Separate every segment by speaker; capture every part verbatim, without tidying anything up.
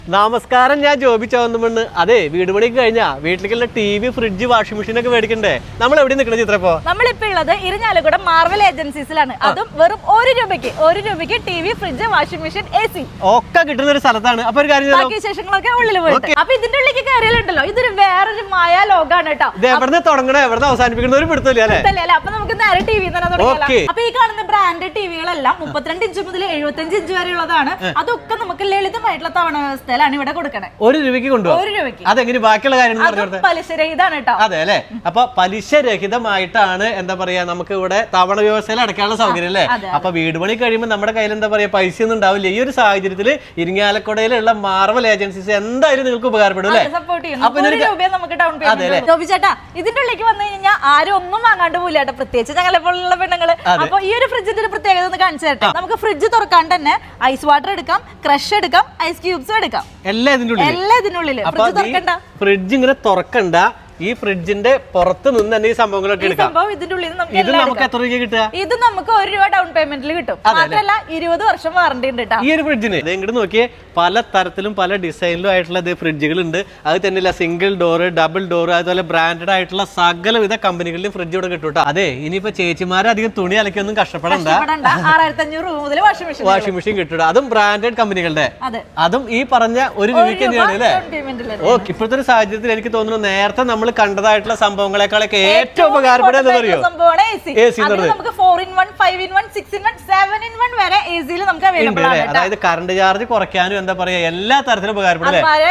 Speaker 1: നമസ്കാരം, ഞാൻ ജോബി ചവന്നുമണ്ണ്. അതെ, വീട് പണിക്ക് കഴിഞ്ഞാ വീട്ടിലേക്കുള്ള T V, fridge, washing machine ഒക്കെ മേടിക്കണ്ടേ? നമ്മൾ എവിടെ നിൽക്കണ ചിത്രപ്പോ?
Speaker 2: നമ്മളിപ്പോ ഉള്ളത് ഇരിഞ്ഞാലക്കുട മാർവൽ ഏജൻസീസിലാണ്. അതും വെറും ഒരു രൂപയ്ക്ക് ഒരു രൂപയ്ക്ക് T V, fridge, washing machine, A C ഒക്കെ
Speaker 1: കിട്ടുന്ന ഒരു സ്ഥലത്താണ്. അപ്പൊ ഒരു കാര്യം,
Speaker 2: ബാക്കി വിശേഷങ്ങളൊക്കെ ഉള്ളിൽ പോയിട്ട് അപ്പൊ ഇതിന്റെ ഉള്ളിലേക്ക് കയറിയാലുണ്ടല്ലോ, ഇതൊരു വേറൊരു മായാ ലോകാണ് കേട്ടോ.
Speaker 1: എവിടെ തുടങ്ങണോ എവിടെ അവസാനിപ്പിക്കുന്ന ഒരു പിടുത്തല്ലേ അല്ലേ?
Speaker 2: അപ്പൊ നമുക്ക് നേരെ ടി വി തന്നെ തുടങ്ങിയാലോ. അപ്പൊ ഈ കാണുന്ന ബ്രാൻഡ് ടിവികളെല്ലാം മുപ്പത്തിരണ്ട് ഇഞ്ച് മുതൽ എഴുപത്തഞ്ച് ഇഞ്ച് വരെ ഉള്ളതാണ്. അതൊക്കെ നമുക്ക് ലളിതമായിട്ടുള്ള തവണ വ്യവസ്ഥയിലാണ് ഇവിടെ കൊടുക്കണേ.
Speaker 1: ഒരു രൂപയ്ക്ക് കൊണ്ടുപോകും.
Speaker 2: ഒരു രൂപയ്ക്ക്
Speaker 1: അതെങ്ങനെ ബാക്കിയുള്ള കാര്യങ്ങൾ
Speaker 2: പലിശരഹിതമാണ് കേട്ടോ.
Speaker 1: അതെ അല്ലെ? അപ്പൊ പലിശരഹിതമായിട്ടാണ് എന്താ പറയാ നമുക്ക് ഇവിടെ തവണ വ്യവസ്ഥയിൽ അടക്കാനുള്ള സൗകര്യം അല്ലേ? അപ്പൊ വീട് പണി കഴിയുമ്പോൾ നമ്മുടെ കയ്യിൽ എന്താ പറയാ പൈസ ഒന്നും ഉണ്ടാവില്ല. ഈ ഒരു സാഹചര്യത്തിൽ ഇരിങ്ങാലക്കുടയിലുള്ള മാർവൽ ഏജൻസീസ് എന്തായാലും നിങ്ങൾക്ക് ഉപകാരപ്പെടും അല്ലേ?
Speaker 2: ചേട്ടാ, ഇതിന്റെ ഉള്ളിലേക്ക് വന്നു കഴിഞ്ഞാൽ ആരും ഒന്നും വാങ്ങാണ്ട് പോയില്ല കേട്ടോ, പ്രത്യേകിച്ച് ഞങ്ങളെ പോലുള്ള പെണ്ണുങ്ങള്. അപ്പൊ ഈ ഒരു ഫ്രിഡ്ജിന്റെ ഒരു പ്രത്യേകത ഒന്ന് കാണിച്ചു തരട്ടെ. നമുക്ക് ഫ്രിഡ്ജ് തുറക്കാണ്ട് തന്നെ ഐസ് വാട്ടർ എടുക്കാം, ക്രഷ് എടുക്കാം, ഐസ് ക്യൂബ്സും എടുക്കാം.
Speaker 1: എല്ലാം ഇതിനുള്ളിൽ. ഫ്രിഡ്ജ് ഇങ്ങനെ തുറക്കണ്ട, ഈ ഫ്രിഡ്ജിന്റെ പുറത്ത് നിന്ന് തന്നെ ഈ സംഭവങ്ങളൊക്കെ എടുക്കാം. ഇത് നമുക്ക് എത്ര രൂപ കിട്ടുക?
Speaker 2: ഇത് നമുക്ക് ഒരു രൂപ ഡൗൺ പേയ്മെന്റിൽ കിട്ടും. മാത്രമല്ല ഇരുപത് വർഷം വാറണ്ടി ഉണ്ട്
Speaker 1: ഈ ഒരു ഫ്രിഡ്ജിന്. ഇങ്ങോട്ട് നോക്കിയേ, പല തരത്തിലും പല ഡിസൈനിലും ആയിട്ടുള്ള ഫ്രിഡ്ജുകൾ ഉണ്ട്. അത് തന്നെയല്ല, സിംഗിൾ ഡോർ, ഡബിൾ ഡോർ, അതുപോലെ ബ്രാൻഡഡ് ആയിട്ടുള്ള സകലവിധ കമ്പനികളിലും ഫ്രിഡ്ജ് ഇവിടെ കിട്ടും കേട്ടോ. അതെ, ഇനിയിപ്പോ ചേച്ചിമാരെ അധികം തുണി അലക്കൊന്നും കഷ്ടപ്പെടണ്ട.
Speaker 2: ആറായിരത്തി അഞ്ഞൂറ് രൂപ മുതൽ
Speaker 1: വാഷിംഗ് മെഷീൻ കിട്ടും. അതും ബ്രാൻഡഡ് കമ്പനികളുടെ. അതും ഈ പറഞ്ഞ ഒരു രൂപയ്ക്ക് തന്നെയാണ് അല്ലേ? ഓക്കെ. ഇപ്പോഴത്തെ ഒരു സാഹചര്യത്തിൽ എനിക്ക് തോന്നുന്നു നേരത്തെ നമ്മൾ കണ്ടതായിട്ടുള്ള സംഭവങ്ങളെക്കാളൊക്കെ ഏറ്റവും ഉപകാരപ്പെടുന്നത് അറിയോ? അതായത് കറണ്ട് ചാർജ് കുറയ്ക്കാനും എന്താ പറയാ എല്ലാ തരത്തിലും ഉപകാരപ്പെടും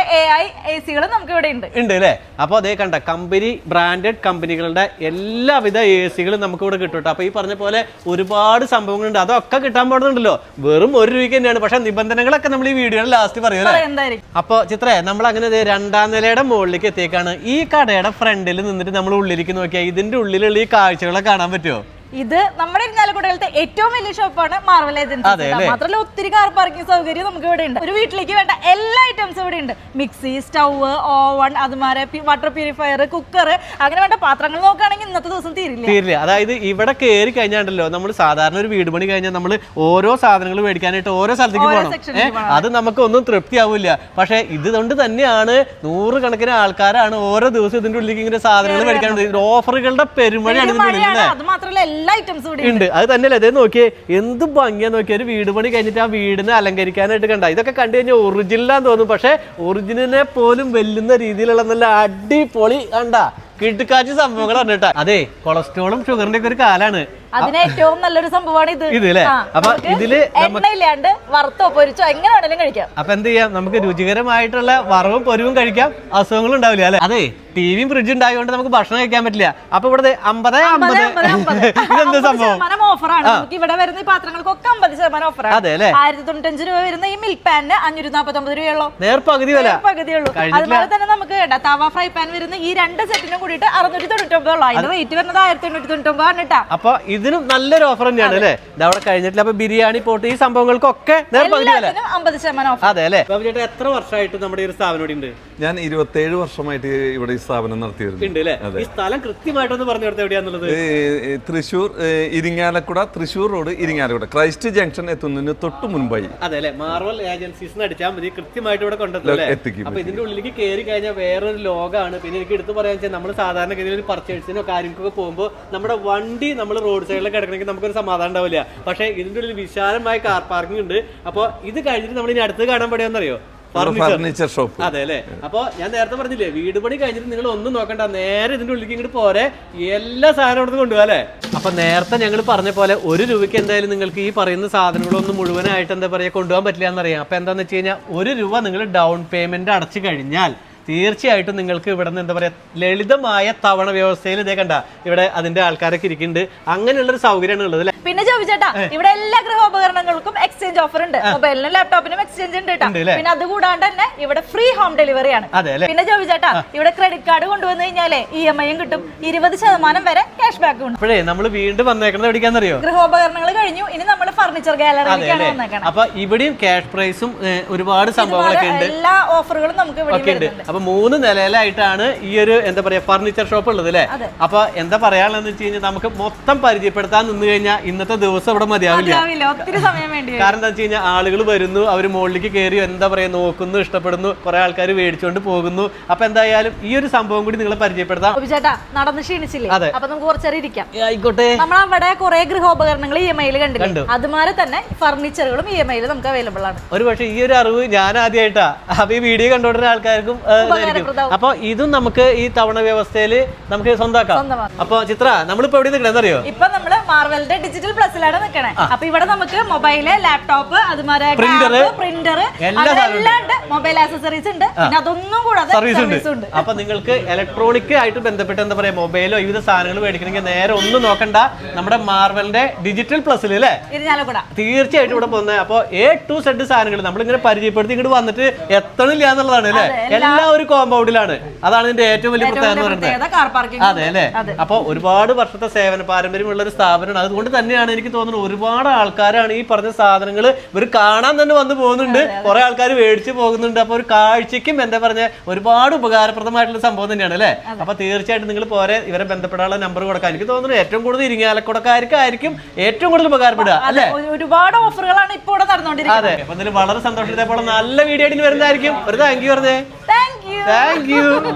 Speaker 1: ഉണ്ട് അല്ലേ? അപ്പൊ അതേ കണ്ട കമ്പനി ബ്രാൻഡഡ് കമ്പനികളുടെ എല്ലാവിധ എ സികളും നമുക്ക് ഇവിടെ കിട്ടും. അപ്പൊ ഈ പറഞ്ഞ പോലെ ഒരുപാട് സംഭവങ്ങളുണ്ട്. അതൊക്കെ കിട്ടാൻ പാടുന്നുണ്ടല്ലോ വെറും ഒരു രൂപയ്ക്ക് തന്നെയാണ്. പക്ഷെ നിബന്ധനകളൊക്കെ നമ്മൾ ഈ വീഡിയോയുടെ ലാസ്റ്റ് പറയുമല്ലേ? അപ്പൊ ചിത്രേ, നമ്മൾ അങ്ങനെ രണ്ടാം നിലയുടെ മുകളിലേക്ക് എത്തിയേക്കാണ്. ഈ കടയുടെ ഫ്രണ്ടിൽ നിന്നിട്ട് നമ്മൾ ഉള്ളിലേക്ക് നോക്കിയാൽ ഇതിന്റെ ഉള്ളിലുള്ള ഈ കാഴ്ചകളെ കാണാൻ പറ്റുമോ?
Speaker 2: ഇത് നമ്മുടെ ഇരിഞ്ഞാലക്കുടയിലത്തെ ഏറ്റവും വലിയ ഷോപ്പാണ് മാർവൽ ഏജൻസി. മാത്രമല്ല ഒത്തിരി കാർ പാർക്കിംഗ് സൗകര്യം നമുക്ക് ഇവിടെ ഉണ്ട്. ഒരു വീട്ടിലേക്ക് വേണ്ട എല്ലാ ഐറ്റംസും ഇവിടെ ഉണ്ട്. മിക്സി, സ്റ്റൗവ്, ഓവൺ, അതുമാരെ വാട്ടർ പ്യൂരിഫയർ, കുക്കർ, അങ്ങനെ വേണ്ട പാത്രങ്ങൾ നോക്കുകയാണെങ്കിൽ ഇന്നത്തെ ദിവസം തീരില്ല
Speaker 1: തീരില്ല അതായത് ഇവിടെ കയറി കഴിഞ്ഞാണ്ടല്ലോ, നമ്മൾ സാധാരണ ഒരു വീട് പണി കഴിഞ്ഞാൽ നമ്മൾ ഓരോ സാധനങ്ങൾ മേടിക്കാനായിട്ട് ഓരോ സ്ഥലത്തേക്ക് പോകണം. അത് നമുക്ക് ഒന്നും തൃപ്തിയാവില്ല. പക്ഷെ ഇതുകൊണ്ട് തന്നെയാണ് നൂറുകണക്കിന് ആൾക്കാരാണ് ഓരോ ദിവസം ഇതിന്റെ ഉള്ളിലേക്ക് ഇങ്ങനെ സാധനങ്ങൾ മേടിക്കാനുണ്ട്. ഓഫറുകളുടെ പെരുമഴയാണ് ഇതിന്റെ ഉള്ളിൽ.
Speaker 2: അത് മാത്രമല്ല
Speaker 1: ഉണ്ട്. അത് തന്നെയല്ലേ, അതേ നോക്കിയേ എന്ത് ഭംഗിയാ നോക്കിയാ. ഒരു വീട് പണി കഴിഞ്ഞിട്ട് ആ വീടിനെ അലങ്കരിക്കാനായിട്ട് കണ്ട ഇതൊക്കെ കണ്ടു കഴിഞ്ഞാൽ ഒറിജിനലാന്ന് തോന്നും. പക്ഷെ ഒറിജിനലിനെ പോലും വെല്ലുന്ന രീതിയിലുള്ള നല്ല അടിപൊളി കണ്ട കിട്ടുകാച്ചി സംഭവങ്ങളാണ് കേട്ടോ. അതെ, കൊളസ്ട്രോളും ഷുഗറിന്റെ ഒക്കെ ഒരു കാലാണ്.
Speaker 2: അതിന് ഏറ്റവും നല്ലൊരു സംഭവമാണ് ഇത്.
Speaker 1: ഇതില്ലേ? അപ്പൊ ഇതില്
Speaker 2: എണ്ണയില്ലാണ്ട് വറുത്തോ പൊരിച്ചോ എങ്ങനെ വേണമെങ്കിലും കഴിക്കാം.
Speaker 1: അപ്പൊ എന്ത് ചെയ്യാം, നമുക്ക് രുചികരമായിട്ടുള്ള വറവും പൊരിവും കഴിക്കാം, അസുഖങ്ങളും ഉണ്ടാവില്ല അല്ലെ? അതെ, ടിവിയും ഫ്രിഡ്ജും ഉണ്ടായതുകൊണ്ട് നമുക്ക് ഭക്ഷണം കഴിക്കാൻ പറ്റില്ല. അപ്പൊ ഇവിടെ അമ്പത് അമ്പത് ഇതെന്താ സംഭവം?
Speaker 2: ഓഫറാണ്. നമുക്ക് ഇവിടെ വരുന്ന ഈ പാത്രങ്ങൾക്കൊക്കെ അമ്പത് ശതമാനം ഓഫറാണ്.
Speaker 1: അതെ അല്ലെ?
Speaker 2: ആയിരത്തി തൊണ്ണൂറ്റഞ്ച് രൂപ വരുന്ന ഈ മിൽക്ക് പാനിന് അഞ്ഞൂറ്റി നാപ്പത്തി ഒമ്പത് രൂപയുള്ളൂ.
Speaker 1: നേർപകുതി വില
Speaker 2: പകുതിയുള്ളൂ. അതുപോലെ തന്നെ നമുക്ക് തവ ഫ്രൈ പാൻ വരുന്ന ഈ രണ്ട് സെറ്റിനും കൂടിയിട്ട് അറുന്നൂറ്റി തൊണ്ണൂറ്റി ഒമ്പത് ഉള്ളൂ. അതിന്റെ റേറ്റ് വരുന്നത് ആയിരത്തി എണ്ണൂറ്റി തൊണ്ണൂറ്റി ഒമ്പതാണ് കേട്ടോ.
Speaker 1: അപ്പൊ ഇതിനും നല്ലൊരു ഓഫർ തന്നെയാണ് അല്ലേ? ഇതവിടെ കഴിഞ്ഞിട്ടില്ല. അപ്പൊ ബിരിയാണി പോട്ട് ഈ സംഭവങ്ങൾക്കൊക്കെ
Speaker 2: അമ്പത് ശതമാനം ഓഫർ.
Speaker 1: അതെ അല്ലെ? ചേട്ടാ, എത്ര വർഷമായിട്ട് നമ്മുടെ ഒരു സ്ഥാപനം ഇവിടെ ഉണ്ട്?
Speaker 3: ഞാൻ ഇരുപത്തേഴ് വർഷമായിട്ട് ഇവിടെ ഈ സ്ഥാപനം നടത്തി വരുന്നുണ്ട്.
Speaker 1: ഈ സ്ഥലം കൃത്യമായിട്ടൊന്ന് പറഞ്ഞു കൊടുത്തത് എവിടെയാന്നുള്ളത്?
Speaker 3: Thrissur Irinjalakuda, Thrissur road Irinjalakuda, Christ junction എത്തുന്നതിന് തൊട്ട് മുൻപായി.
Speaker 1: അതെ അല്ലെ? മാർവൽ ഏജൻസീസ് അടിച്ചാൽ മതി, കൃത്യമായിട്ട് ഇവിടെ കൊണ്ടെത്തും. അപ്പൊ ഇതിന്റെ ഉള്ളിലേക്ക് കയറി കഴിഞ്ഞാൽ വേറൊരു ലോകമാണ്. പിന്നെ എനിക്ക് എടുത്ത് പറയാൻ വെച്ചാൽ നമ്മൾ സാധാരണഗതിയിൽ ഒരു പർച്ചേസിനോ കാര്യങ്ങൾക്കൊക്കെ പോകുമ്പോൾ നമ്മുടെ വണ്ടി നമ്മൾ റോഡ് സൈഡിലൊക്കെ കിടക്കണമെങ്കിൽ നമുക്കൊരു സമാധാനം ഉണ്ടാവില്ല. പക്ഷേ ഇതിന്റെ ഉള്ളിൽ വിശാലമായ കാർ പാർക്കിംഗ് ഉണ്ട്. അപ്പൊ ഇത് കഴിഞ്ഞിട്ട് നമ്മൾ ഇനി അടുത്ത് കാണാൻ പറ്റുമെന്നറിയോ?
Speaker 3: Furniture shop.
Speaker 1: അതെ അല്ലെ? അപ്പൊ ഞാൻ നേരത്തെ പറഞ്ഞില്ലേ, വീട് പണി കഴിഞ്ഞിട്ട് നിങ്ങൾ ഒന്നും നോക്കണ്ട, നേരെ ഇതിന്റെ ഉള്ളിലേക്ക് ഇങ്ങോട്ട് പോരെ, എല്ലാ സാധനവും അവിടെ കൊണ്ടുപോകാം അല്ലെ? അപ്പൊ നേരത്തെ ഞങ്ങൾ പറഞ്ഞ പോലെ ഒരു രൂപയ്ക്ക് എന്തായാലും നിങ്ങൾക്ക് ഈ പറയുന്ന സാധനങ്ങളൊന്നും മുഴുവനായിട്ട് എന്താ പറയാ കൊണ്ടുപോകാൻ പറ്റില്ല എന്നറിയാം. അപ്പൊ എന്താന്ന് വെച്ച് കഴിഞ്ഞാൽ ഒരു രൂപ നിങ്ങൾ ഡൗൺ പേയ്മെന്റ് അടച്ചു കഴിഞ്ഞാൽ തീർച്ചയായിട്ടും നിങ്ങൾക്ക് ഇവിടെ നിന്ന് എന്താ പറയാ ലളിതമായ തവണ വ്യവസ്ഥയിൽ ഇതേ കണ്ട ഇവിടെ അതിന്റെ ആൾക്കാരൊക്കെ ഇരിക്കുന്നുണ്ട്. അങ്ങനെയുള്ളൊരു സൗകര്യമാണ് ഉള്ളത്.
Speaker 2: പിന്നെ ചോദിച്ചേട്ടാ, ഇവിടെ എല്ലാ ഗൃഹോപകരണങ്ങൾക്കും എക്സ്ചേഞ്ച് ഓഫർ ഉണ്ട്. മൊബൈലിനും ലാപ്ടോപ്പിനും എക്സ്ചേഞ്ച് ഉണ്ട് കേട്ടോ. പിന്നെ അതുകൂടാണ്ട് തന്നെ ഇവിടെ ഫ്രീ ഹോം ഡെലിവറി ആണ്. പിന്നെ ചോദിച്ചേട്ടാ, ഇവിടെ ക്രെഡിറ്റ് കാർഡ് കൊണ്ടുവന്നു കഴിഞ്ഞാലേ ഇ എം ഐയും കിട്ടും, ഇരുപത് ശതമാനം വരെ ക്യാഷ് ബാക്ക് ഉണ്ട്.
Speaker 1: അപ്പോഴേ നമ്മൾ വീണ്ടും വന്നേക്കുന്നത് എവിടേക്കാന്നറിയോ?
Speaker 2: ഗൃഹോപകരണങ്ങൾ കഴിഞ്ഞു, ഇനി നമ്മൾ ഫർണിച്ചർ ഗാലറിയിലേക്കാണ് വന്നേക്കുന്നത്.
Speaker 1: അപ്പൊ ഇവിടെയും ക്യാഷ് പ്രൈസും ഒരുപാട് സംഭവങ്ങളൊക്കെ ഉണ്ട്.
Speaker 2: എല്ലാ ഓഫറുകളും നമുക്ക് ഇവിടെ ഉണ്ട്.
Speaker 1: അപ്പൊ മൂന്ന് നിലയിലായിട്ടാണ് ഈ ഒരു എന്താ പറയാ ഫർണിച്ചർ ഷോപ്പ് ഉള്ളത് അല്ലെ? അപ്പൊ എന്താ പറയാനുള്ളതെന്ന് വെച്ച് കഴിഞ്ഞാൽ നമുക്ക് മൊത്തം പരിചയപ്പെടുത്താൻ നിന്ന് കഴിഞ്ഞാൽ ഇന്നത്തെ ദിവസം ഇവിടെ മതിയാവില്ല.
Speaker 2: മതിയാവില്ല, ഒത്തിരി സമയം വേണ്ടി വരും.
Speaker 1: കാരണം എന്താ വെച്ച് കഴിഞ്ഞാൽ ആളുകൾ വരുന്നു, അവർ മുകളിലേക്ക് കയറി എന്താ പറയാ നോക്കുന്നു, ഇഷ്ടപ്പെടുന്നു, കുറെ ആൾക്കാർ മേടിച്ചുകൊണ്ട് പോകുന്നു. അപ്പൊ എന്തായാലും ഈ ഒരു സംഭവം കൂടി നിങ്ങളെ പരിചയപ്പെടുത്താം.
Speaker 2: ചേട്ടാ നടന്ന് ക്ഷീണിച്ചില്ലേ?
Speaker 1: അതെ.
Speaker 2: അപ്പൊ നമുക്ക് കുറച്ചേരം ഇരിക്കാം.
Speaker 1: ആയിക്കോട്ടെ.
Speaker 2: നമ്മളവിടെ കുറെ ഗൃഹോപകരണങ്ങൾ ഇ എം ഐയിൽ കണ്ടു. അതുമാതിരി തന്നെ ഫർണിച്ചറുകളും ഇ എം ഐയിൽ നമുക്ക് അവൈലബിൾ ആണ്.
Speaker 1: ഒരു പക്ഷേ ഈ ഒരു അറിവ് ഞാൻ ആദ്യമായിട്ടാ. അപ്പൊ ഈ വീഡിയോ കണ്ടുകൊണ്ടിരുന്ന ആൾക്കാർക്കും അപ്പൊ ഇതും നമുക്ക് ഈ തവണ വ്യവസ്ഥയിൽ നമുക്ക് സ്വന്തമാക്കാം. അപ്പൊ ചിത്ര നമ്മളിപ്പോ എവിടെ നിൽക്കണെന്നറിയോ?
Speaker 2: ഇപ്പൊ നമ്മള് മാർവലിന്റെ ഡിജിറ്റൽ പ്ലസിലാണ് നിൽക്കണേ. അപ്പൊ ഇവിടെ നമുക്ക് മൊബൈല്, ലാപ്ടോപ്പ്, അതുമാതിരി പ്രിന്റർ എല്ലാം ഉണ്ട്, മൊബൈൽ ആക്സസറീസ് ഉണ്ട്, പിന്നെ അതൊന്നും കൂടാതെ സർവീസ് ഉണ്ട്.
Speaker 1: അപ്പൊ നിങ്ങൾക്ക് ഇലക്ട്രോണിക് ആയിട്ട് ബന്ധപ്പെട്ട് എന്താ പറയാ മൊബൈലോ വിവിധ സാധനങ്ങൾ മേടിക്കണമെങ്കിൽ നേരെ ഒന്നും നോക്കണ്ട, നമ്മുടെ മാർവലിന്റെ ഡിജിറ്റൽ പ്ലസിൽ അല്ലേ തീർച്ചയായിട്ടും ഇവിടെ പോകുന്നത്. അപ്പൊ എ ടു സെഡ് സാധനങ്ങൾ നമ്മളിങ്ങനെ പരിചയപ്പെടുത്തി ഇങ്ങോട്ട് വന്നിട്ട് എത്തണില്ല എന്നുള്ളതാണ് അല്ലെ. എല്ലാ ഒരു കോമ്പൗണ്ടിലാണ്. അതാണ് ഇതിന്റെ ഏറ്റവും വലിയ പ്രത്യേകത എന്ന് പറയുന്നത്. അതെ അല്ലെ. അപ്പൊ ഒരുപാട് വർഷത്തെ സേവന പാരമ്പര്യമുള്ള ഒരു സ്ഥാപനമാണ്. അതുകൊണ്ട് തന്നെയാണ് എനിക്ക് തോന്നുന്നത് ഒരുപാട് ആൾക്കാരാണ് ഈ പറഞ്ഞ സാധനങ്ങൾ ഇവർ കാണാൻ തന്നെ വന്നു പോകുന്നുണ്ട്, കുറെ ആൾക്കാർ മേടിച്ചു പോകുന്നുണ്ട്. അപ്പൊ ഒരു കാഴ്ചയ്ക്കും എന്താ പറഞ്ഞ ഒരുപാട് ഉപകാരപ്രദമായിട്ടുള്ള സംഭവം തന്നെയാണ് അല്ലെ. അപ്പൊ തീർച്ചയായിട്ടും നിങ്ങൾ പോരെ ഇവരെ ബന്ധപ്പെടാനുള്ള നമ്പർ കൊടുക്കാം. എനിക്ക് തോന്നുന്നു ഏറ്റവും കൂടുതൽ ഇരിങ്ങാലക്കുടക്കാർക്കായിരിക്കും ഏറ്റവും കൂടുതൽ ഉപകാരപ്പെടുക അല്ലെ.
Speaker 2: ഒരുപാട് ഓഫറുകളാണ് ഇപ്പോൾ ഇവിടെ നടന്നുകൊണ്ടിരിക്കുന്നത്.
Speaker 1: അതെ. അപ്പൊ ഇതിൽ വളരെ സന്തോഷത്തോടെ നല്ല വീഡിയോ ആയിട്ട് വരുന്നതായിരിക്കും. ഒരു താങ്ക് യു പറഞ്ഞേ.
Speaker 2: Thank you.
Speaker 1: Thank U.